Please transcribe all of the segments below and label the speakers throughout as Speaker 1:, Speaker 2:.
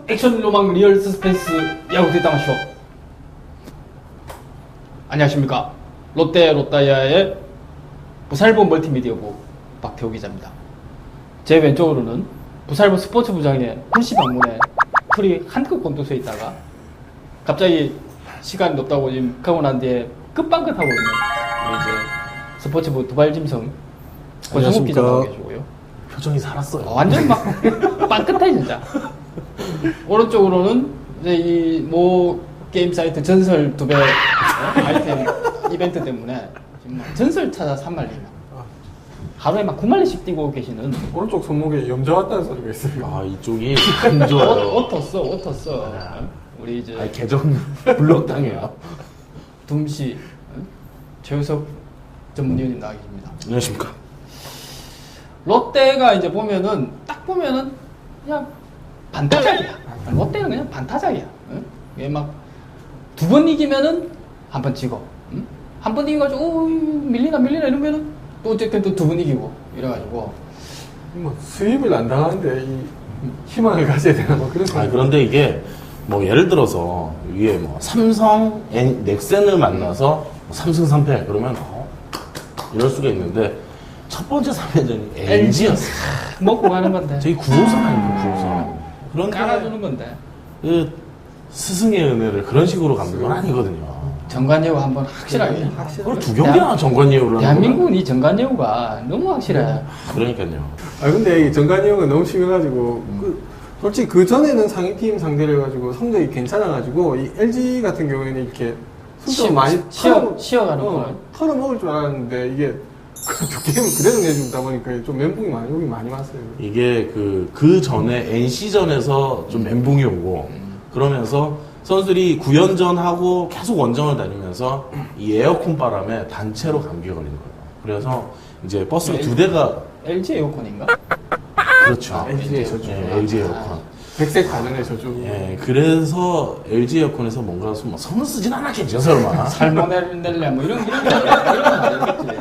Speaker 1: 액션 로망 리얼 서스펜스 야구 뒷담화 쇼. 안녕하십니까. 롯데 롯다이아의 부살보 멀티미디어부 박태호 기자입니다. 제 왼쪽으로는 부살보 스포츠부장의 홀씨 방문에 풀이 한껏 곤두서 있다가 갑자기 시간이 높다고 지금 가고 난 뒤에 끝방긋하고 있는 우리 이제 스포츠부 두발짐승 권성욱 기자 나오고 계시고요.
Speaker 2: 표정이 살았어요.
Speaker 1: 완전 막 빵긋해 진짜. 오른쪽으로는 이제 이 모 게임 사이트 전설 2배 아이템 이벤트 때문에 지금 막 전설 찾아 3만리 하루에 막 9만리씩 뛰고 계시는.
Speaker 3: 오른쪽 손목에 염자 왔다는 소리가 있어요.
Speaker 2: 아, 이쪽이 안 좋아요.
Speaker 1: 옷 텄어. 우리 이제
Speaker 2: 아니, 계정 블록 당해요.
Speaker 1: 둠씨 최우석 전문위원님 나와 계십니다.
Speaker 2: 안녕하십니까.
Speaker 1: 롯데가 이제 보면은 딱 보면은 그냥 반타작이야. 롯데는 그냥 반타작이야. 응? 이게 막 두 번 이기면은 한 번 지고, 응? 한 번 이겨가지고 오, 밀리나 이러면은 또 어쨌든 또 두 번 이기고 이래가지고
Speaker 3: 뭐 수입을 안 당하는데 이 희망을 가져야 되나 뭐 그런.
Speaker 2: 아, 그런데 이게 뭐 예를 들어서 위에 뭐 삼성, 넥센을 만나서 뭐 3승 3패 그러면 이럴 수가 있는데 첫 번째 3회전이 LG였어.
Speaker 1: 먹고 가는 건데.
Speaker 2: 저희 9호선 아닙니까 9호선. 그런데
Speaker 1: 깔아주는 건데.
Speaker 2: 그 스승의 은혜를 그런 식으로 갚는 건 아니거든요.
Speaker 1: 정관예우 한번 확실하게.
Speaker 2: 그걸 두 경기나 정관예우를
Speaker 1: 대한민국은 이 정관예우가 너무 확실해.
Speaker 2: 그러니까요.
Speaker 3: 아 근데 이 정관이 형은 너무 심해가지고 솔직히 그 전에는 상위팀 상대를 해가지고 성적이 괜찮아가지고 이 LG 같은 경우에는 이렇게 순점 많이
Speaker 1: 쉬어가는 거.
Speaker 3: 털어먹을 줄 알았는데 이게 두 게임을 그대로 내주다 보니까 좀 멘붕이 욕이 많이 왔어요.
Speaker 2: 이게 그 전에 NC전에서 좀 멘붕이 오고 그러면서 선수들이 9연전하고 계속 원정을 다니면서 이 에어컨 바람에 단체로 감기가 걸린 거예요. 그래서 이제 버스가 두 대가
Speaker 1: LG 에어컨인가?
Speaker 2: 그렇죠.
Speaker 3: LG의 저주.
Speaker 2: LG 에어컨.
Speaker 3: 백색 가전의 저주.
Speaker 2: 예, 그래서 LG 에어컨에서 뭔가 뭐 성을 쓰진 않았겠죠, 설마.
Speaker 1: 살모넬라 뭐 이런 거 아니겠지.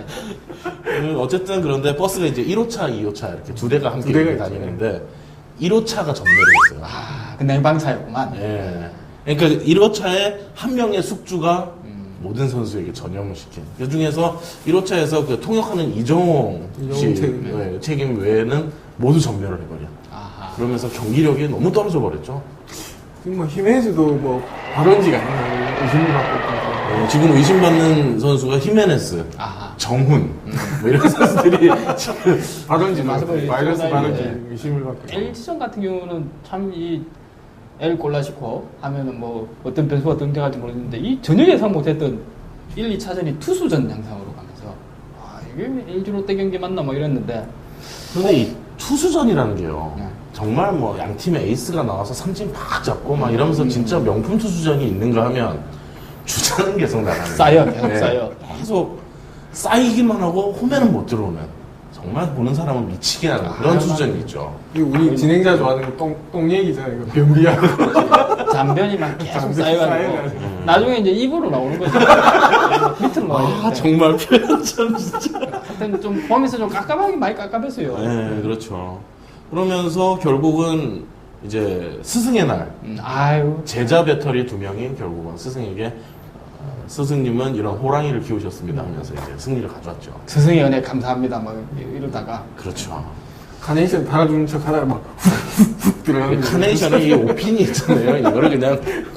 Speaker 2: 어쨌든 그런데 버스가 이제 1호차, 2호차 이렇게 두 대가 함께
Speaker 3: 두 대가
Speaker 2: 이렇게 다니는데 1호차가 전멸을 했어요.
Speaker 1: 아, 그 냉방차였구만.
Speaker 2: 예. 그러니까 1호차에 한 명의 숙주가 모든 선수에게 전염을 시킨. 그 중에서 1호차에서 그 통역하는 이정호 씨 책임 외에는 모두 전멸을 해버려.
Speaker 1: 아하.
Speaker 2: 그러면서 경기력이 너무 떨어져 버렸죠.
Speaker 3: 지금 뭐 히메즈도 뭐 발원지가 있나 의심을 받고 있고.
Speaker 2: 지금 의심받는 선수가 히메네스,
Speaker 1: 아하.
Speaker 2: 정훈, 뭐 이런 선수들이 지금
Speaker 3: 발원지
Speaker 1: 맞아,
Speaker 3: 바이러스
Speaker 1: 맞아.
Speaker 3: 발원지
Speaker 1: 예.
Speaker 3: 의심을 받고.
Speaker 1: LG전 같은 경우는 참 이 엘 골라시코 하면은 뭐 어떤 변수가 등장할지 모르겠는데 이 전혀 예상 못했던 1, 2차전이 투수전 양상으로 가면서 아 이게 LG 롯데 경기 맞나 뭐 이랬는데
Speaker 2: 그런데 이 투수전이라는 게요.
Speaker 1: 네.
Speaker 2: 정말 뭐 양 팀의 에이스가 나와서 삼진 팍 잡고 막 이러면서 진짜 명품 투수전이 있는가 하면 주자는 계속 나가는
Speaker 1: 쌓여 계속 쌓여.
Speaker 2: 계속 쌓이기만 하고 홈에는 못 들어오는 정말 보는 사람은 미치게 하는 그런 투수전이 있죠.
Speaker 3: 그리고 우리 진행자 좋아하는 거 똥 얘기잖아요. 이거 변비하고.
Speaker 1: 잔변이 막 계속
Speaker 3: 잔변이
Speaker 1: 쌓여가지고
Speaker 3: 쌓여가지고.
Speaker 1: 나중에 이제 입으로 나오는 거죠. 밑으로 나와야 되는데
Speaker 2: 정말 표현 참 진짜.
Speaker 1: 하여튼 좀 보면서 좀 깝깝하게 많이 깝깝했어요.
Speaker 2: 네, 그렇죠. 그러면서 결국은 이제 스승의 날
Speaker 1: 아유
Speaker 2: 제자 배터리 2명이 결국은 스승에게 스승님은 이런 호랑이를 키우셨습니다 하면서 이제 승리를 가져왔죠.
Speaker 1: 스승의 은혜 감사합니다 막 이러다가
Speaker 2: 그렇죠.
Speaker 3: 카네이션 달아주는 척 하다가 막 훅훅 들어가는 거.
Speaker 2: 카네이션에 이 오핀이 있잖아요. 이거를 그냥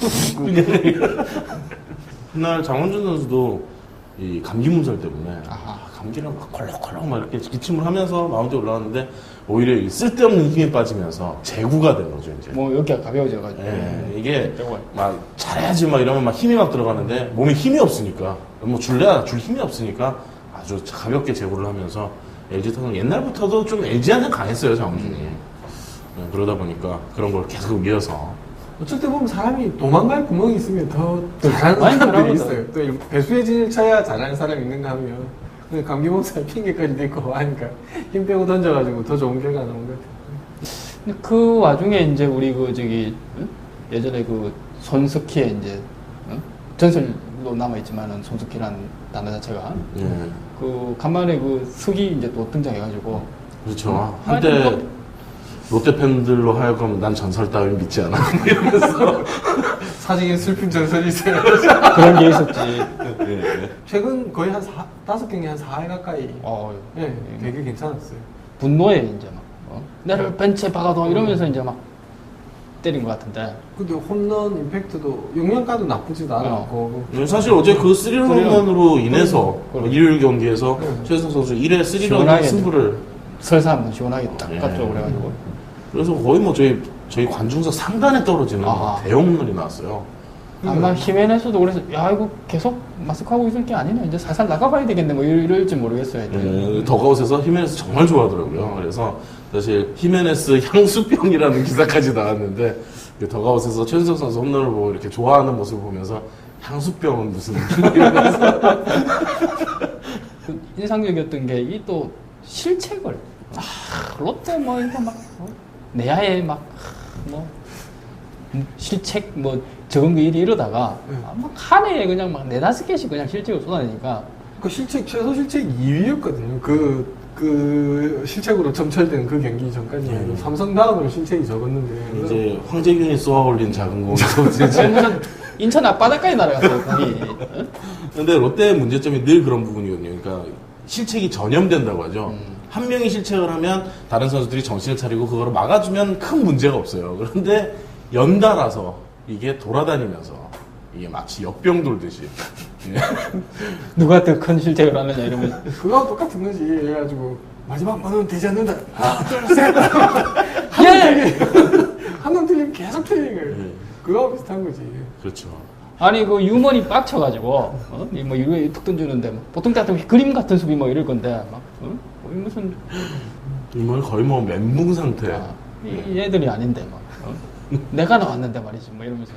Speaker 2: 그날 장원준 선수도 이 감기 몸살 때문에 감기를 막 콜록콜록 막 이렇게 기침을 하면서 마운드에 올라왔는데 오히려 이 쓸데없는 힘에 빠지면서 재구가 된 거죠 이제.
Speaker 1: 뭐 여기가 가벼워져가지고
Speaker 2: 이게 막 잘해야지 막 이러면 막 힘이 막 들어가는데 몸에 힘이 없으니까 뭐 줄 힘이 없으니까 아주 가볍게 제구를 하면서 LG 타선 옛날부터도 좀 LG한테 강했어요 장원준이. 그러다 보니까 그런 걸 계속 이어서
Speaker 3: 어쩔 때 보면 사람이 도망갈 구멍이 있으면 더 잘하는
Speaker 1: 많이
Speaker 3: 사람들이
Speaker 1: 잘하거든.
Speaker 3: 있어요. 또 배수의 진을 쳐야 잘하는 사람이 있는가 하면 근데 감기 몸살 핑계까지 대고 하니까 힘 빼고 던져가지고 더 좋은 결과 나온 것 같아요.
Speaker 1: 근데 그 와중에 이제 우리 그 저기 예전에 그 손석희의 이제 전설로 남아있지만은 손석희라는 단어 자체가 그 간만에 그 석이 이제 또 등장해가지고
Speaker 2: 그렇죠. 한때 롯데 팬들로 하여금 난 전설 따위 믿지 않아. 이러면서.
Speaker 3: 사직의 슬픈 전설이 있어요.
Speaker 1: 그런 게 있었지.
Speaker 2: 예.
Speaker 3: 최근 거의 한 5경기 한 4회 가까이. 예, 되게 괜찮았어요.
Speaker 1: 분노에 이제 막 나를 벤치에 박아둬 이러면서 이제 막 때린 것 같은데.
Speaker 3: 근데 홈런 임팩트도 영양가도 나쁘지도 않았고.
Speaker 2: 사실 어제 그 3런 홈런으로 인해서
Speaker 1: 그래.
Speaker 2: 일요일 경기에서 최혜성 선수 1회 3런
Speaker 1: 시원하게
Speaker 2: 승부를
Speaker 1: 설사 한번 시원하게 딱
Speaker 2: 예.
Speaker 1: 갔죠. 그래가지고.
Speaker 2: 그래서 거의 뭐 저희 관중석 상단에 떨어지는
Speaker 1: 아하.
Speaker 2: 대형 홈런이 나왔어요.
Speaker 1: 아마 히메네스도 그래서 야 이거 계속 마스크하고 있을 게 아니네 이제 살살 나가봐야 되겠네 뭐 이럴지 모르겠어요. 이제.
Speaker 2: 더가웃에서 히메네스 정말 좋아하더라고요. 그래서 사실 히메네스 향수병이라는 기사까지 나왔는데 그 더가웃에서 최준석 선수 홈런을 보고 이렇게 좋아하는 모습을 보면서 향수병은 무슨 이러면서
Speaker 1: 그 인상적이었던 게 이 또 실책을 롯데 뭐 이거 막 내야에 막 실책 뭐 적은 거 일이 이러다가 막 한 해에 그냥 막 4-5개씩 그냥 실책을 쏟아내니까
Speaker 3: 그 최소 실책 2위였거든요. 그 실책으로 점철된 그 경기 전까지 삼성 다음으로 실책이 적었는데.
Speaker 2: 이제 황재균이 쏘아올린 작은 공에서
Speaker 1: 무슨 인천 앞바다까지 날아갔어요 공이.
Speaker 2: 근데 롯데의 문제점이 늘 그런 부분이거든요. 그러니까 실책이 전염된다고 하죠. 한 명이 실책을 하면 다른 선수들이 정신을 차리고 그거를 막아주면 큰 문제가 없어요. 그런데 연달아서 이게 돌아다니면서 이게 마치 역병 돌듯이
Speaker 1: 누가 더 큰 실책을 하느냐 이러면
Speaker 3: 그거하고 똑같은 거지. 그래가지고 마지막 번호는 되지 않는다. 하나, 둘, 셋.
Speaker 1: 예!
Speaker 3: 한 놈 틀리면 계속 틀리는 그거하고 비슷한 거지.
Speaker 2: 그렇죠.
Speaker 1: 아니 그 유머니 빡쳐가지고 뭐 이거 툭 던지는데 뭐 보통 같으면 그림 같은 수비 뭐 이럴 건데 막 거의 무슨
Speaker 2: 이건 거의 뭐 멘붕 상태.
Speaker 1: 이 애들이 아닌데 막 내가 나왔는데 말이지 뭐 이러면서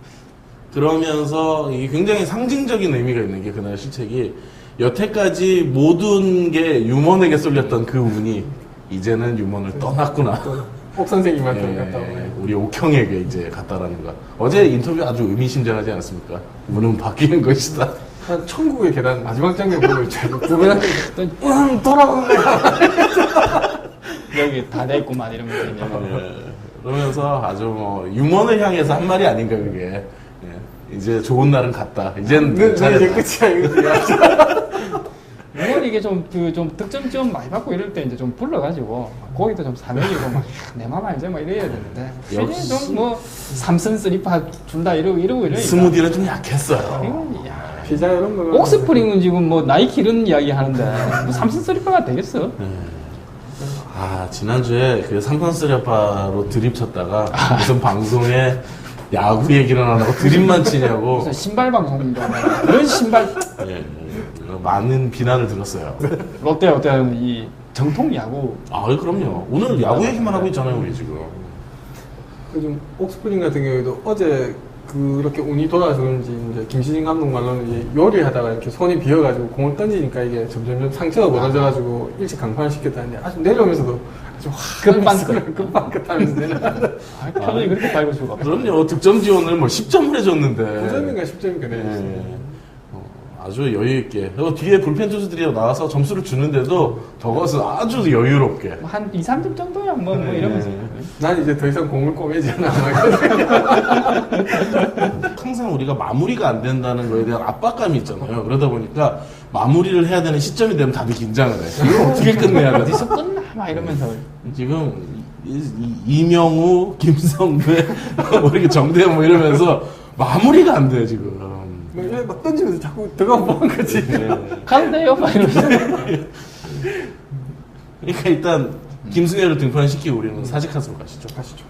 Speaker 2: 그러면서 이게 굉장히 상징적인 의미가 있는 게 그날 실책이 여태까지 모든 게 유먼에게 쏠렸던 그 운이 이제는 유먼을 떠났구나.
Speaker 3: 옥 선생님한테
Speaker 2: 예,
Speaker 3: 갔다 오네.
Speaker 2: 우리 옥형에게 이제 갔다라는 거. 어제 인터뷰 아주 의미심장하지 않았습니까? 운은 바뀌는 것이다.
Speaker 3: 한 천국의 계단 마지막 장면 보고 있죠. 부분한테 돌아오는 거야.
Speaker 1: 여기 다 됐구만 이러면서 이제
Speaker 2: 예, 그러면서 아주 뭐 유먼을 향해서 한 말이 아닌가 그게. 예, 이제 좋은 날은 갔다. 이젠
Speaker 3: 이제
Speaker 2: 잘했다.
Speaker 3: 끝이야 이거지.
Speaker 1: 물론 이게 좀 득점 좀 많이 받고 이럴 때 이제 좀 불러가지고 거기도 좀 사명이고 막 내 맘 알지 뭐 이래야 되는데
Speaker 2: 역시.
Speaker 1: 좀뭐 삼선 쓰리파 준다 이러고 이러니까
Speaker 2: 스무디는 좀 약했어요.
Speaker 1: 이건 야
Speaker 3: 피자 이런 거.
Speaker 1: 옥스프링은 지금 뭐 나이키 이런 이야기 하는데 뭐 삼선 쓰리파가 되겠어?
Speaker 2: 아, 지난주에 그 삼선 쓰레빠로 드립 쳤다가 무슨 방송에 야구 얘기를 안 하고 드립만 치냐고
Speaker 1: 무슨 신발 방송인가 그런 신발
Speaker 2: 예, 많은 비난을 들었어요.
Speaker 1: 롯데는 이 정통 야구
Speaker 2: 아, 그럼요. 오늘 야구 얘기만 하고 있잖아요, 우리 지금.
Speaker 3: 요즘 옥스프링 같은 경우에도 어제 그렇게 운이 돌아서 그런지 이제 김시진 감독 말로는 이제 요리하다가 이렇게 손이 비어가지고 공을 던지니까 이게 점점 상처가 벌어져가지고 일찍 강판을 시켰다는데 아주 내려오면서도 아주 급방긋하면서 내려가서
Speaker 1: 표정이 그렇게 밝을 수가 없어.
Speaker 2: 그럼요. 득점 지원을 뭐 10점을 해줬는데.
Speaker 3: 9점인가 10점인가 내렸어요.
Speaker 2: 예. 아주 여유있게. 그리고 뒤에 불펜 투수들이 나와서 점수를 주는데도 더것은 아주 여유롭게.
Speaker 1: 뭐한 2-3점 정도야 뭐 이러면서
Speaker 3: 난 이제 더 이상 공을 꼬매지 않아.
Speaker 2: 항상 우리가 마무리가 안 된다는 거에 대한 압박감이 있잖아요. 그러다 보니까 마무리를 해야 되는 시점이 되면 다들 긴장을 해. 이걸 어떻게 끝내야 되지?
Speaker 1: 어디서 끝나 막 이러면서
Speaker 2: 지금 이명우, 김성배, 뭐 이렇게 정대현 뭐 이러면서 마무리가 안 돼, 지금.
Speaker 3: 막 던지면서 자꾸 들어가 보는 거지.
Speaker 1: 가도 돼요 막 이러면서
Speaker 2: 그러니까 일단 김승혜를 등판시키고 우리는 사직하수로 가시죠.
Speaker 3: 가시죠.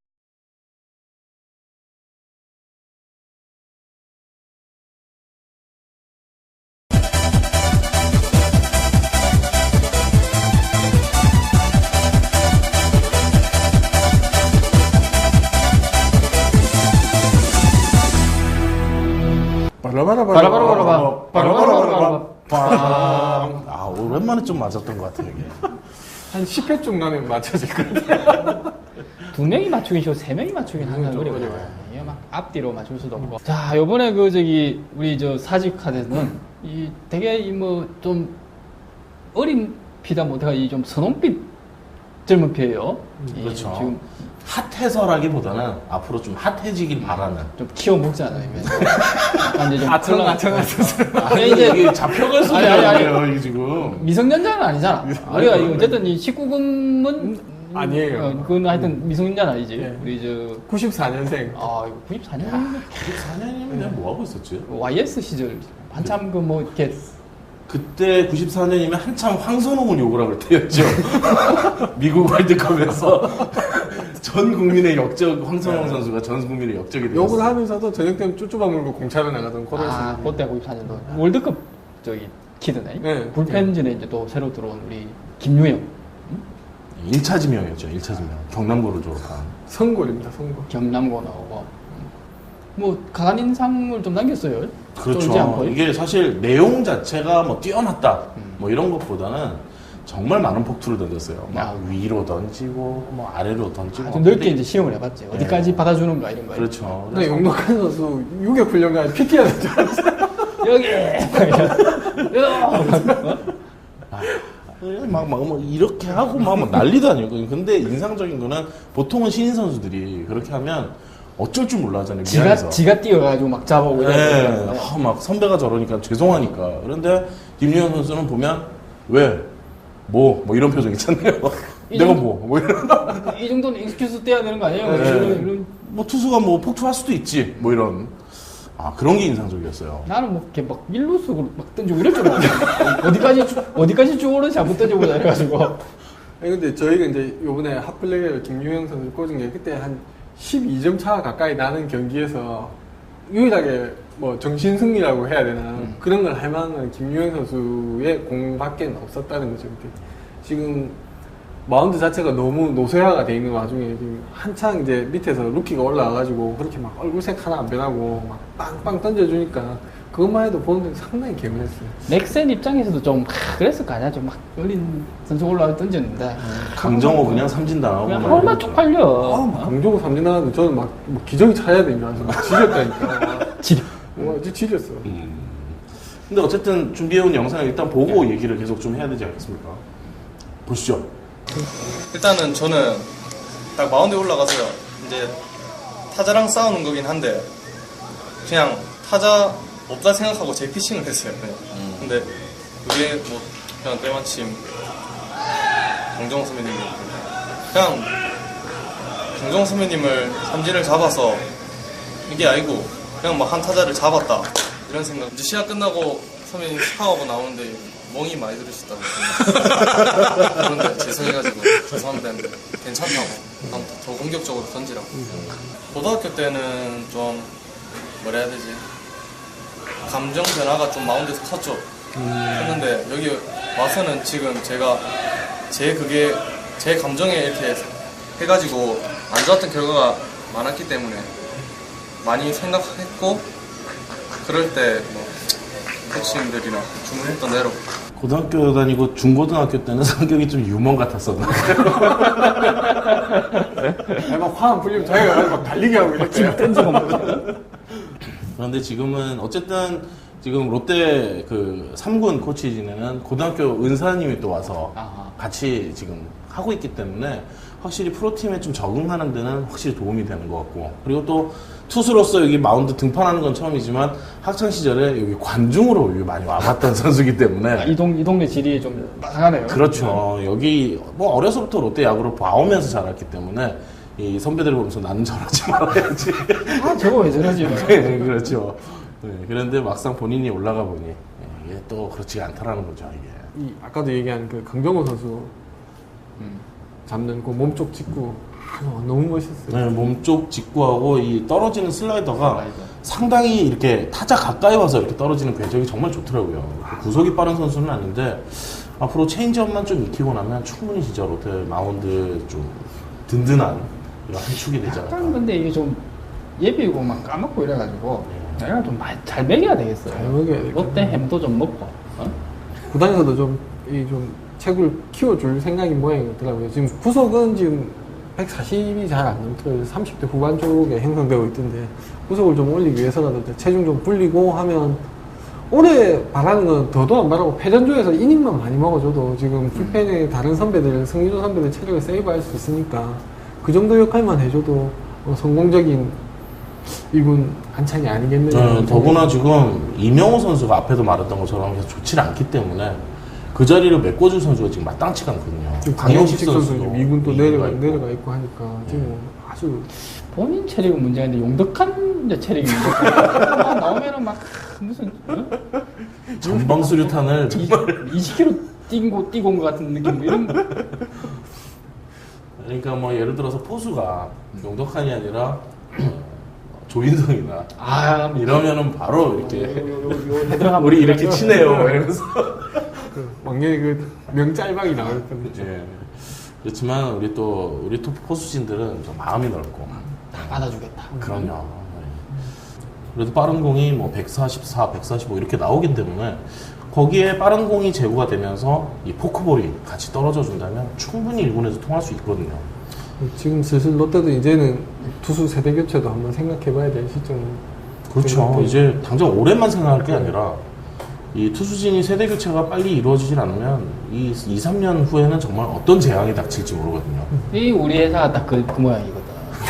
Speaker 2: 아, 오랜만에 좀 맞았던 것 같아요, 이게.
Speaker 3: 한 10회 중 나면 맞춰질 것 같아.
Speaker 1: 2명이 맞추긴 쉬워 3명이 맞추긴 항상
Speaker 3: 좀
Speaker 1: 어려워요.
Speaker 3: 어려워요.
Speaker 1: 이게 막 앞뒤로 맞출 수도 없고. 자, 요번에 우리 저 사직 카드는 이 되게 뭐 좀 어린 피다 못해가 이 좀 선홍빛 젊은 피예요.
Speaker 2: 그렇죠.
Speaker 1: 지금
Speaker 2: 핫해서라기보다는 앞으로 좀 핫해지길 바라는.
Speaker 1: 좀 키워 먹잖아요. 약간 이제 좀
Speaker 3: 아청아청하셔서
Speaker 2: 이게 잡혀갈
Speaker 1: 아니, 아니, 아니.
Speaker 2: 소리예요, 이게 지금.
Speaker 1: 미성년자는 아니잖아. 우리가 이거 어쨌든 이 19금은
Speaker 3: 아니에요.
Speaker 1: 그건 하여튼 미성년자는 아니지.
Speaker 3: 네.
Speaker 1: 우리 저
Speaker 3: 94년생.
Speaker 1: 아, 이거 94년
Speaker 2: 94년이면 내가 뭐 하고 있었지?
Speaker 1: YS 시절 한참 그 뭐 이렇게
Speaker 2: 그때 94년이면 한참 황선홍을 욕을 하고 때였죠. 미국 월드컵에서 전 국민의 역적, 황선홍 선수가 전 국민의 역적이 되었어요.
Speaker 3: 욕을 하면서도 저녁 때면 쭈쭈밥 물고 공차로 나가던
Speaker 1: 아,
Speaker 3: 코로나
Speaker 1: 그때 94년도 월드컵 저기 키드네.
Speaker 3: 네.
Speaker 1: 불펜진에 이제 또 새로 들어온 우리 김유영
Speaker 2: 1차 지명이었죠, 1차 지명. 경남고를 졸업한.
Speaker 3: 선골입니다, 선골.
Speaker 1: 경남고 나오고 뭐 강한 인상을 좀 남겼어요. 쫄지
Speaker 2: 그렇죠.
Speaker 1: 않고.
Speaker 2: 이게 사실 내용 자체가 뭐 뛰어났다, 뭐 이런 것보다는 정말 많은 폭투를 던졌어요. 막 위로 던지고, 뭐 아래로 던지고.
Speaker 1: 아주 넓게 이제 시험을 해봤지. 어디까지
Speaker 2: 네.
Speaker 1: 받아주는가 이런 거.
Speaker 2: 그렇죠.
Speaker 3: 근데 용덕한 선수 유격 훈련가 PT 하는 줄 알았어요.
Speaker 1: 여기
Speaker 2: 뭐 이렇게 하고 막 난리도 아니고. 근데 인상적인 거는 보통은 신인 선수들이 그렇게 하면 어쩔 줄 몰라 하잖아요. 미안해서.
Speaker 1: 지가 뛰어가지고 막 잡아오고
Speaker 2: 네,
Speaker 1: 이러고.
Speaker 2: 막 선배가 저러니까 죄송하니까. 그런데 김유현 선수는 보면 왜? 뭐 이런 표정 있잖아요. 내가
Speaker 1: 정도-
Speaker 2: 뭐 이런.
Speaker 1: 이 정도는 익스큐스 떼야 되는 거 아니에요?
Speaker 2: 네.
Speaker 1: 이런
Speaker 2: 뭐 투수가 뭐 폭투할 수도 있지. 뭐 이런. 아, 그런 게 인상적이었어요.
Speaker 1: 나는 뭐 이렇게 막 밀루스로 막 던지고 이럴 줄 알았어. 어디까지 쭈오른 잘못 던져보자 해가지고.
Speaker 3: 아니 근데 저희가 이제 요번에 핫플레이어 김유영 선수 꽂은 게 그때 한 12점 차 가까이 나는 경기에서 유일하게 뭐 정신 승리라고 해야 되나 그런 걸 할 만한 김유영 선수의 공밖에 없었다는 거죠. 그때. 지금 마운드 자체가 너무 노쇠화가 돼 있는 와중에 지금 한창 이제 밑에서 루키가 올라와가지고 그렇게 막 얼굴색 하나 안 변하고 막 빵빵 던져주니까 그것만 해도 보는데 상당히 개운했어요.
Speaker 1: 넥센 입장에서도 좀 그랬을 거 아니야? 좀 막 어린 선수 올라와 던졌는데
Speaker 2: 강정호 그냥 삼진당하고.
Speaker 1: 그냥
Speaker 2: 막
Speaker 1: 얼마
Speaker 2: 이러고.
Speaker 1: 쪽팔려.
Speaker 3: 강조고 삼진 나왔는데 저는 막뭐 기저귀 차야 되는 줄 알았어요. 막 지렸다니까.
Speaker 1: 지려.
Speaker 3: 와, 진짜 지렸어.
Speaker 2: 근데 어쨌든 준비해온 영상을 일단 보고 얘기를 계속 좀 해야 되지 않겠습니까? 보시죠.
Speaker 4: 일단은 저는 딱 마운드에 올라가서요. 이제 타자랑 싸우는 거긴 한데 그냥 타자 없다 생각하고 제 피칭을 했어요. 그냥. 근데 그게 뭐 그냥 때마침 강정호 선배님이 그냥 강정호 선배님을 삼진을 잡아서 이게 아니고 그냥 막 한 타자를 잡았다 이런 생각. 이제 시합 끝나고 선배님 샤워하고 나오는데 멍이 많이 들으셨다고 그런데 죄송해가지고 죄송합니다 했는데 괜찮다고 다음부터 더 공격적으로 던지라고. 고등학교 때는 좀 뭐라 해야 되지, 감정 변화가 좀 마운드에서 컸죠. 했는데 여기 와서는 지금 제가 제 감정에 이렇게 해가지고 안 좋았던 결과가 많았기 때문에 많이 생각했고 그럴 때 뭐 코치님들이나 주문했던 대로
Speaker 2: 고등학교 다니고 중고등학교 때는 성격이 좀 유머 같았었나?
Speaker 3: 아니, 막 화 안 풀리면 자기가 막 달리기 하고 이렇게.
Speaker 1: 던지고 막.
Speaker 2: 그런데 지금은 어쨌든 지금 롯데 그 3군 코치 지내는 고등학교 은사님이 또 와서
Speaker 1: 아하.
Speaker 2: 같이 지금 하고 있기 때문에 확실히 프로팀에 좀 적응하는 데는 확실히 도움이 되는 것 같고, 그리고 또 투수로서 여기 마운드 등판하는 건 처음이지만 학창 시절에 여기 관중으로 여기 많이 와봤던 선수기 때문에
Speaker 1: 이 동네 질이 좀 나가네요.
Speaker 2: 그렇죠. 여기 뭐 어려서부터 롯데 야구를 봐오면서 자랐기 때문에 이 선배들 보면서 나는 저러지 말아야지.
Speaker 1: 아, 저거 왜 저러지?
Speaker 2: 네, 그렇죠. 네, 그런데 막상 본인이 올라가 보니 이게 또 그렇지가 않다라는 거죠, 이게.
Speaker 3: 이 아까도 얘기한 그 강정호 선수 잡는 그 몸쪽 직구 너무 멋있었어요.
Speaker 2: 네, 몸쪽 직구하고 이 떨어지는 슬라이더가
Speaker 1: 슬라이더.
Speaker 2: 상당히 이렇게 타자 가까이 와서 이렇게 떨어지는 궤적이 정말 좋더라고요. 구속이 빠른 선수는 아닌데 앞으로 체인지업만 좀 익히고 나면 충분히 진짜 롯데 마운드 좀 든든한 이런 한 축이 되지 않을까.
Speaker 1: 약간 근데 이게 좀 예비고 막 까먹고 이래가지고 내가 좀 잘 먹여야 되겠어요.
Speaker 3: 잘 먹여야 되겠네.
Speaker 1: 롯데 햄도 좀 먹고.
Speaker 3: 구단에서도 좀 체구를 키워줄 생각인 모양이더라고요. 지금 구속은 지금 140이 잘 안 넘더라고요. 30대 후반 쪽에 형성되고 있던데 구속을 좀 올리기 위해서라도 체중 좀 불리고 하면 올해 바라는 건 더도 안 바라고 패전조에서 이닝만 많이 먹어줘도 지금 불펜의 다른 선배들, 승리도 선배들 체력을 세이브할 수 있으니까 그 정도 역할만 해줘도 성공적인 1군 안착이 아니겠느냐.
Speaker 2: 더구나 지금 이명호 선수가 앞에도 말했던 것처럼 계속 좋지 않기 때문에 그 자리를 메꿔줄 선수가 지금 마땅치가 않거든요. 강영식 선수도
Speaker 3: 2군 또
Speaker 2: 이군가
Speaker 3: 내려가 있고 하니까 지금 아주
Speaker 1: 본인 체력은 문제가 있는데 용덕한 이제 체력이 문제가 나오면은 막 무슨
Speaker 2: 전방수류탄을 정말
Speaker 1: 20km 뛰고 온 것 같은 느낌 뭐 이런 거.
Speaker 2: 그러니까 뭐 예를 들어서 포수가 용덕한이 아니라 조인성이나 이러면은 바로 이렇게 우리 이렇게 치네요 이러면서
Speaker 3: 왕년에 그 명짤방이 나올 뻔했죠.
Speaker 2: 예. 그렇지만 우리 토프 포수진들은 좀 마음이 넓고
Speaker 1: 다 받아주겠다.
Speaker 2: 그럼요. 그래도 빠른 공이 뭐 144, 145 이렇게 나오기 때문에 거기에 빠른 공이 제구가 되면서 이 포크볼이 같이 떨어져 준다면 충분히 1군에서 통할 수 있거든요.
Speaker 3: 지금 슬슬 롯데도 이제는 투수 세대 교체도 한번 생각해봐야 될 시점.
Speaker 2: 그렇죠. 이제 당장 올해만 생각할 게 아니라 이 투수진이 세대 교체가 빨리 이루어지질 않으면 이 2, 3년 후에는 정말 어떤 재앙이 닥칠지 모르거든요.
Speaker 1: 이 우리 회사가 딱 그 모양이거든.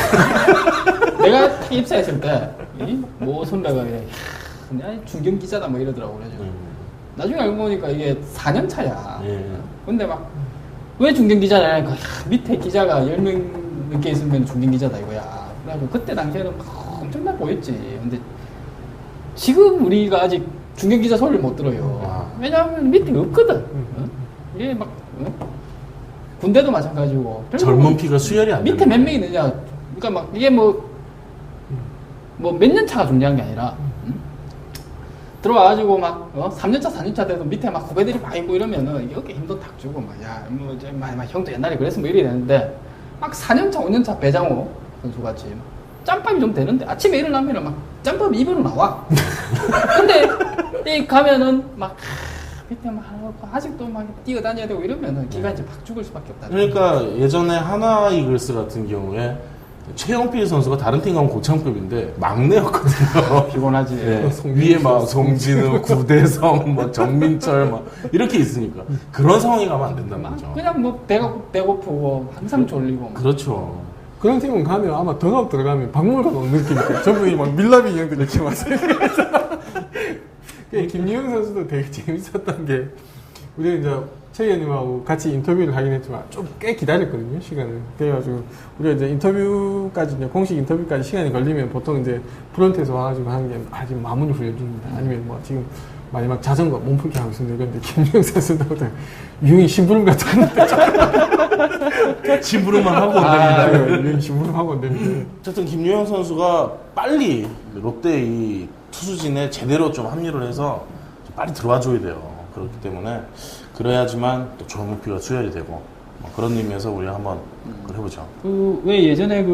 Speaker 1: 내가 딱 입사했을 때모 선배가 그냥 중견 기자다 뭐 이러더라고. 그래서 나중에 알고 보니까 이게 4년 차야.
Speaker 2: 예.
Speaker 1: 근데 막 왜 중견 기자냐 하니까 밑에 기자가 10명 넘게 있으면 중견 기자다 이거야. 그래가지고 그때 당시에는 막 엄청나 보였지. 근데 지금 우리가 아직 중견 기자 소리를 못 들어요. 왜냐하면 밑에 없거든. 이게 막 군대도 마찬가지고.
Speaker 2: 젊은 피가 수혈이 안
Speaker 1: 밑에
Speaker 2: 되는
Speaker 1: 몇 명 있느냐. 그러니까 막 이게 뭐 몇 년 차가 중요한 게 아니라 들어와가지고 막 3년차 4년차 돼도 밑에 막 후배들이 막 있고 이러면은 이렇게 힘도 탁 주고 막 형도 옛날에 그랬으면 뭐 이래야 되는데 막 4년차 5년차 배장호 선수같이 짬밥이 좀 되는데 아침에 일어나면은 막 짬밥 입으로 나와. 근데 이 가면은 막 밑에 막 아직도 막 뛰어다녀야 되고 이러면은 기가 이제 팍 죽을 수밖에 없다.
Speaker 2: 그러니까 예전에 하나 이글스 같은 경우에 최영필 선수가 다른 팀 가면 고참급인데 막내였거든요.
Speaker 1: 피곤하지.
Speaker 2: 네. 위에 막 송진우, 구대성, 뭐 정민철 막 이렇게 있으니까 그런 상황이 가면 안 된다는 거죠.
Speaker 1: 그냥 뭐 배고프고 항상 졸리고.
Speaker 2: 그렇죠.
Speaker 3: 그런 팀은 가면 아마 덕아웃 들어가면 박물관 온 느낌이니까 전부 막 밀라비 인형들 이렇게 막 김유영 선수도 되게 재밌었던 게 우리가 이제 최 의원님하고 같이 인터뷰를 하긴 했지만 좀 꽤 기다렸거든요, 시간을. 그래가지고 우리가 이제 인터뷰까지 이제 공식 인터뷰까지 시간이 걸리면 보통 이제 프런트에서 와가지고 하는 게 아직 마무리 훈련중입니다. 아니면 뭐 지금 마지막 자전거 몸풀기 하고 있습니다. 그런데 김유영 선수도 유영이 심부름 같은 건데
Speaker 2: 심부름만 하고 온답니다.
Speaker 3: 유영이 심부름 하고 온답니다.
Speaker 2: 어쨌든 김유영 선수가 빨리 롯데 이 투수진에 제대로 좀 합류를 해서 좀 빨리 들어와 줘야 돼요. 그렇기 때문에 그래야지만 또 젊은 피가 수혈이 되고 뭐 그런 의미에서 우리가 한번 그걸 해보죠.
Speaker 1: 왜 예전에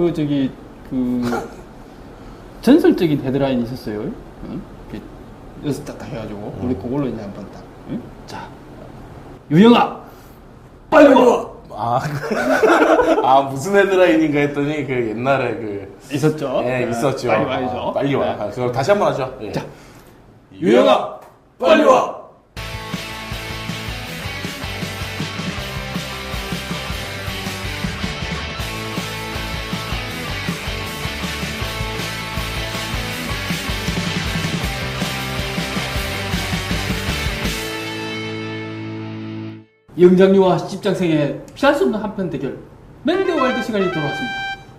Speaker 1: 전설적인 헤드라인이 있었어요. 응? 여기서 딱 해가지고 우리 그걸로 이제 한번 딱. 응? 자, 유영아, 빨리 와.
Speaker 2: 무슨 헤드라인인가 했더니 그 옛날에 그
Speaker 1: 있었죠.
Speaker 2: 예, 있었죠.
Speaker 1: 빨리 와야죠.
Speaker 2: 빨리 와.
Speaker 1: 네.
Speaker 2: 그걸 다시 한번 하죠. 예.
Speaker 1: 자,
Speaker 2: 유영아, 빨리 와.
Speaker 1: 영장류와 십장생의 피할 수 없는 한편 대결 멜드 월드 시간이 돌아왔습니다.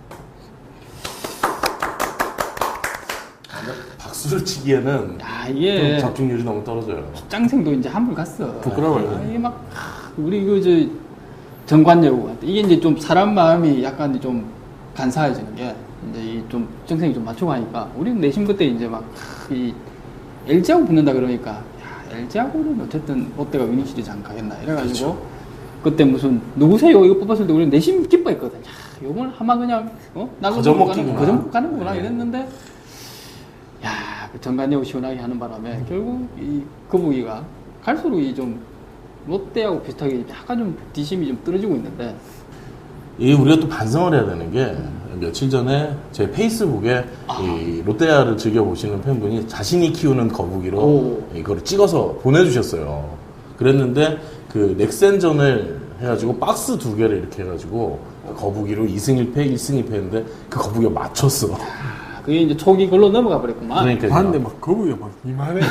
Speaker 2: 박수를 치기에는
Speaker 1: 야,
Speaker 2: 좀
Speaker 1: 이게
Speaker 2: 집중률이 너무 떨어져요.
Speaker 1: 십장생도 이제 한물 갔어.
Speaker 2: 부끄러워요.
Speaker 1: 이게 막 우리 정관여우 같아. 이게 이제 좀 사람 마음이 약간 좀 간사해지는 게 이제 좀 정생이 좀 맞추고 하니까 우리는 내심 그때 이제 막 이 LG하고 붙는다 그러니까. LG하고는 어쨌든 롯데가 위닝 시리즈 안 가겠나 이래가지고
Speaker 2: 그렇죠.
Speaker 1: 그때 무슨 누구세요 이거 뽑았을 때 우리는 내심 기뻐했거든. 야, 요걸 하면 그냥
Speaker 2: 거저먹기구나.
Speaker 1: 거저먹 가는구나
Speaker 2: 네.
Speaker 1: 이랬는데 야, 그 정관여우 시원하게 하는 바람에 결국 이 거북이가 갈수록 이 좀 롯데하고 비슷하게 약간 좀 뒷심이 좀 떨어지고 있는데
Speaker 2: 이 우리가 또 반성을 해야 되는 게 며칠 전에 제 페이스북에 이 롯데야를 즐겨 보시는 팬분이 자신이 키우는 거북이로
Speaker 1: 오.
Speaker 2: 이거를 찍어서 보내주셨어요. 그랬는데 그 넥센전을 해가지고 박스 2개를 이렇게 해가지고 거북이로 2승 1패, 1승 2패 했는데 그 거북이가 맞췄어.
Speaker 1: 그게 이제 초기 글로 넘어가 버렸구만.
Speaker 2: 그러니까
Speaker 3: 봤는데 막 거북이가 막 이만해.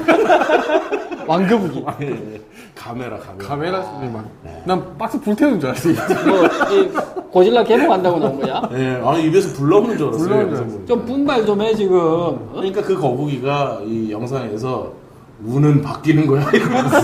Speaker 1: 왕거북이.
Speaker 2: 카메라.
Speaker 3: 소리 막. 난 박스 불태우는 줄 알았지.
Speaker 1: 이 고질라 개봉한다고 나온 거야?
Speaker 2: 예, 아니 입에서 불 나오는 줄 알았어요.
Speaker 3: 불 나오는 줄
Speaker 2: 영상
Speaker 3: 알았어.
Speaker 2: 보니까.
Speaker 1: 좀 분발 좀 해 지금. 어?
Speaker 2: 그러니까 그 거북이가 이 영상에서 우는 바뀌는 거야 이러면서.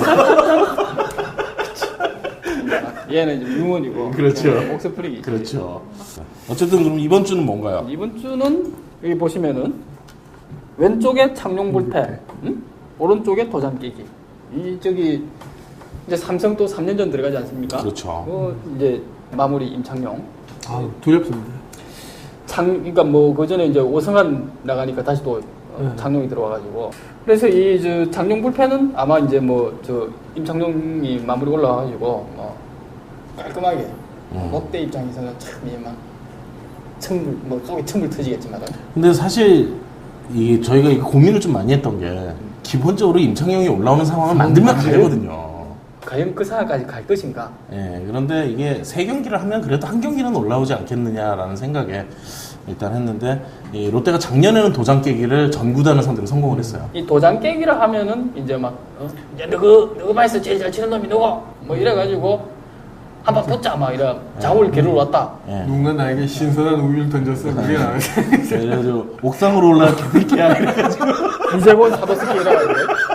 Speaker 1: 얘는 이제 유언이고.
Speaker 2: 그렇죠.
Speaker 1: 옥스프링이.
Speaker 2: 그렇죠. 어쨌든 그럼 이번 주는 뭔가요?
Speaker 1: 이번 주는 여기 보시면은 왼쪽에 창룡 불패, 응? 오른쪽에 도장 깨기. 이 저기 이제 삼성 또 3년 전 들어가지 않습니까?
Speaker 2: 그렇죠.
Speaker 1: 이제 마무리 임창룡.
Speaker 3: 아, 두렵습니다.
Speaker 1: 그러니까 뭐 그 전에 이제 오승환 나가니까 다시 또 장룡이 들어와가지고. 그래서 이 저 장룡 불패는 아마 이제 뭐 저 임창룡이 마무리 올라와가지고 뭐 깔끔하게 롯데 입장에서는 참막 천불 뭐 속에 천불 터지겠지만.
Speaker 2: 근데 사실 이 저희가 이거 고민을 좀 많이 했던 게 기본적으로 임창용이 올라오는 상황을 만들면 가거든요.
Speaker 1: 과연 그 상황까지 갈 것인가?
Speaker 2: 예, 그런데 이게 3경기를 하면 그래도 한 경기는 올라오지 않겠느냐라는 생각에 일단 했는데 이 롯데가 작년에는 도장 깨기를 전 구단을 상대로 성공을 했어요.
Speaker 1: 이 도장 깨기를 하면은 이제 막 이제 너그 반에서 제일 잘 치는 놈이 누구? 뭐 이래가지고 한번 붙자 막 이래 자울 기를 왔다.
Speaker 2: 예.
Speaker 3: 누군가 나에게 신선한 우유를 던졌어. 그게 나지.
Speaker 2: 그래가지고 옥상으로 올라가 개새끼야 이래가지고
Speaker 1: 이제본 사도스키 이래가지고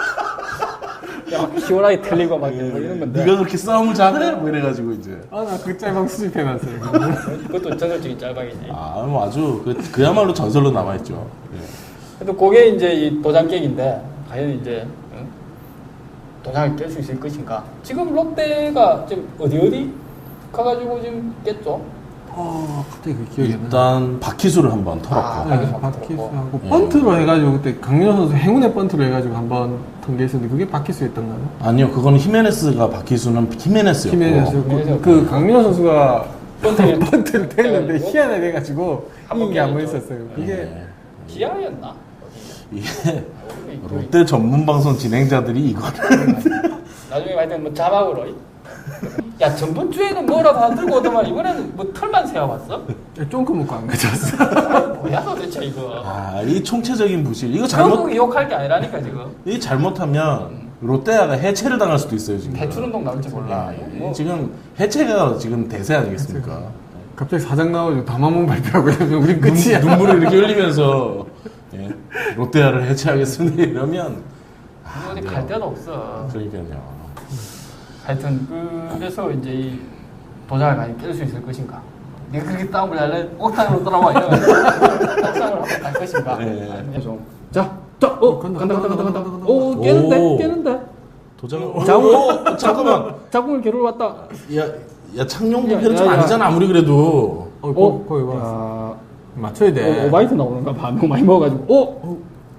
Speaker 1: 막 시원하게 틀리고 막 이런 건데.
Speaker 2: 네가 그렇게 싸움을 잘해? 뭐 이래가지고 이제
Speaker 3: 아, 나 그 짤방 수집해놨어요.
Speaker 1: 그것도 전설적인 짤방이지.
Speaker 2: 뭐 아주 그야말로 전설로 남아있죠. 예.
Speaker 1: 그래도 그게 이제 이 도장 깨기인데 과연 이제 도장을 깰 수 있을 것인가? 지금 롯데가 지금 어디 가가지고 지금 깼죠?
Speaker 3: 갑자기 그 기억이 안 나.
Speaker 2: 일단 바퀴수를 한번 털었고
Speaker 3: 네,
Speaker 1: 바퀴수
Speaker 3: 바퀴스하고
Speaker 2: 예.
Speaker 3: 번트로 해가지고 그때 강민호 선수 행운의 번트로 해가지고 한번 통계했었는데 그게 바퀴스였던가요?
Speaker 2: 아니요 그거는 히메네스가 바퀴수는 히메네스였고
Speaker 3: 팀에서 그 강민호 선수가
Speaker 1: 번트를
Speaker 3: 번트를 댔는데
Speaker 1: 해가지고
Speaker 3: 희한하게 돼가지고
Speaker 1: 한번
Speaker 3: 이게 한번
Speaker 1: 깨졌죠.
Speaker 3: 있었어요. 이게
Speaker 2: 예.
Speaker 1: 기아였나?
Speaker 2: 이게 롯데 전문 방송 진행자들이 이거를
Speaker 1: 나중에 하여튼 뭐 자막으로 야 전번 주에는 뭐라도 안 들고 오더만 이번에는 뭐 털만 세워봤어?
Speaker 3: 쫑크 먹고 안 가져왔어.
Speaker 1: 뭐야 도대체 이거.
Speaker 2: 이 총체적인 부실 이거 잘못
Speaker 1: 결국 욕할 게 아니라니까 지금.
Speaker 2: 이 잘못하면 롯데야가 해체를 당할 수도 있어요 지금.
Speaker 1: 대출운동 나올지 몰라. 뭐.
Speaker 2: 지금 해체가 지금 대세 아니겠습니까?
Speaker 3: 갑자기 사장 나와가지고 담화문 발표하고 이러면 우리 끝이야.
Speaker 2: 눈물을 이렇게 흘리면서 예, 롯데야를 해체하겠습니다 이러면
Speaker 1: 어디 갈 데도 없어.
Speaker 2: 그러니까요.
Speaker 1: 하여튼 그래서 이제 이 도장을 많이 깰 수 있을 것인가? 내가 그렇게 다운을 할래? 옥상으로 돌아와 이래가지고 옥상으로 한번 갈 것인가?
Speaker 2: 네.
Speaker 1: 아니면 좀 간다. 오 깨는데
Speaker 2: 오.
Speaker 1: 깨는데.
Speaker 2: 도장을
Speaker 1: 자궁
Speaker 2: 잠깐만
Speaker 1: 자궁을 겨루 왔다.
Speaker 2: 야 창룡 부패는 좀
Speaker 1: 야, 야.
Speaker 2: 아니잖아 아무리 그래도
Speaker 3: 거기 봐. 맞춰야 돼.
Speaker 1: 오바이트 나오는가 봐. 너무 많이 먹어가지고.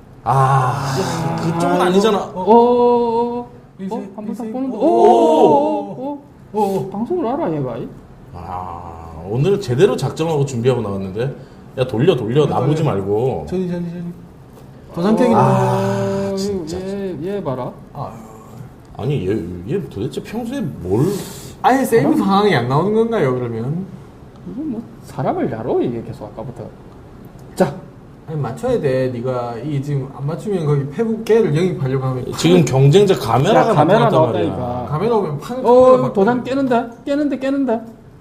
Speaker 2: 그쪽은 아니잖아.
Speaker 1: 한번 딱 보는데.
Speaker 2: 오.
Speaker 1: 방송을 알아 얘가.
Speaker 2: 오늘 제대로 작정하고 준비하고 나왔는데 야 돌려 나보지 말고
Speaker 3: 저기. 도장 깨기는.
Speaker 2: 진짜.
Speaker 1: 얘 봐라.
Speaker 2: 아니 얘 도대체 평소에 뭘
Speaker 3: 아예 세이브 상황이 안 나오는 건가요, 그러면?
Speaker 1: 이거 뭐 사람을 야로 이게 계속 아까부터. 자.
Speaker 3: 아니, 맞춰야 돼. 네가 이 지금 안 맞추면 거기 페북 깨를 영입하려고 하면
Speaker 2: 지금 경쟁자 카메라가
Speaker 1: 카메라
Speaker 2: 나타났단
Speaker 1: 나왔다니까.
Speaker 2: 말이야.
Speaker 3: 카메라 오면 판을
Speaker 1: 도장 깨는데.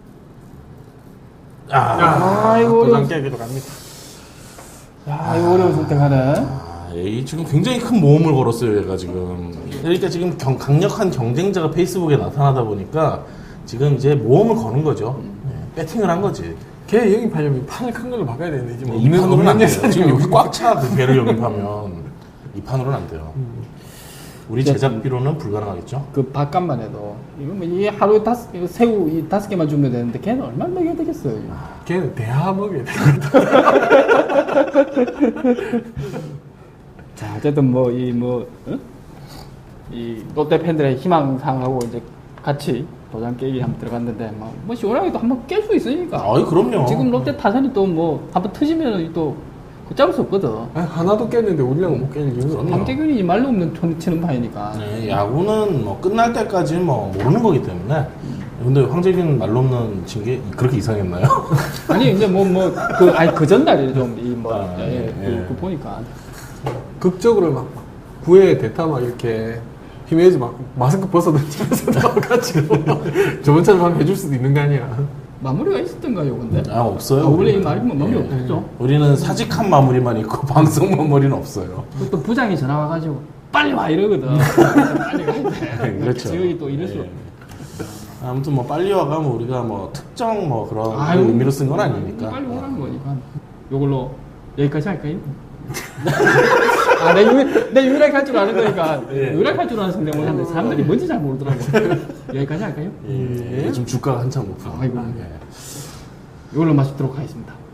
Speaker 3: 아이고
Speaker 1: 어려운.
Speaker 3: 도장 깨기도 갑니다.
Speaker 1: 야, 이거 어려운 선택하네.
Speaker 2: 이 지금 굉장히 큰 모험을 걸었어요, 얘가 지금. 그러니까 지금 강력한 경쟁자가 페이스북에 나타나다 보니까 지금 이제 모험을 거는 거죠. 배팅을 한 거지.
Speaker 3: 걔 영입하려면 판을 큰 걸로 바꿔야 되는데 지금
Speaker 2: 이 판으로는 안 돼요.
Speaker 3: 예산이
Speaker 2: 지금 여기
Speaker 3: 없고.
Speaker 2: 꽉 차, 그 배를 영입하면. 이 판으로는 안 돼요. 우리 제작비로는 불가능하겠죠?
Speaker 1: 그 밥값만 해도 이거 뭐 이 하루에 이거 새우 이 5개만 주면 되는데 걔는 얼마나 먹여야 되겠어요. 이거.
Speaker 3: 걔는 대하 먹여야 돼.
Speaker 1: 자, 어쨌든 이 롯데 팬들의 희망상하고 이제 같이 도장 깨기 한번 들어갔는데 뭐 시원하게도 한번 깰 수 있으니까.
Speaker 2: 아이, 그럼요.
Speaker 1: 지금 롯데 타선이 또 뭐 한번 터지면 또 걷잡을 수 없거든.
Speaker 3: 아니, 하나도 깼는데 우리랑 못 깰 이유가 없나?
Speaker 1: 황재균이 말로 없는 톤 치는 파이니까.
Speaker 2: 네, 야구는 뭐 끝날 때까지 뭐 모르는 거기 때문에. 근데 황재균 말로 없는 친 게 그렇게 이상했나요?
Speaker 1: 아니 이제 그 전날에 좀이뭐
Speaker 2: 예.
Speaker 1: 그 보니까
Speaker 3: 극적으로 막 구회 대타 막 이렇게 힘내지 막 마스크 벗어던지면서 나와가지고 저번처럼 한번 해줄 수도 있는 거 아니야.
Speaker 1: 마무리가 있었던가요, 근데?
Speaker 2: 없어요.
Speaker 1: 원래 이
Speaker 2: 우리는.
Speaker 1: 말이 뭐 마무리
Speaker 2: 예.
Speaker 1: 없었죠.
Speaker 2: 우리는 사직한 마무리만 있고 방송 마무리는 없어요.
Speaker 1: 또 부장이 전화 와가지고 빨리 와 이러거든. 빨리 가야 돼.
Speaker 2: 그렇죠.
Speaker 1: 지역이 또 이럴 수.
Speaker 2: 예. 아무튼 뭐 빨리 와가면 우리가 뭐 특정 뭐 그런
Speaker 1: 아유,
Speaker 2: 의미로 쓴 건 아니니까.
Speaker 1: 빨리 오라는 거니까. 요걸로 여기까지 할까요? 내 유일하게 할 줄 아는 거니까.
Speaker 2: 예.
Speaker 1: 유일하게 할 줄 아는 성대모사 하는데 사람들이 뭔지 잘 모르더라고. 여기까지 할까요?
Speaker 2: 예. 좀 주가가 한참 높은.
Speaker 1: 아이고.
Speaker 2: 예.
Speaker 1: 이걸로 마치도록 하겠습니다.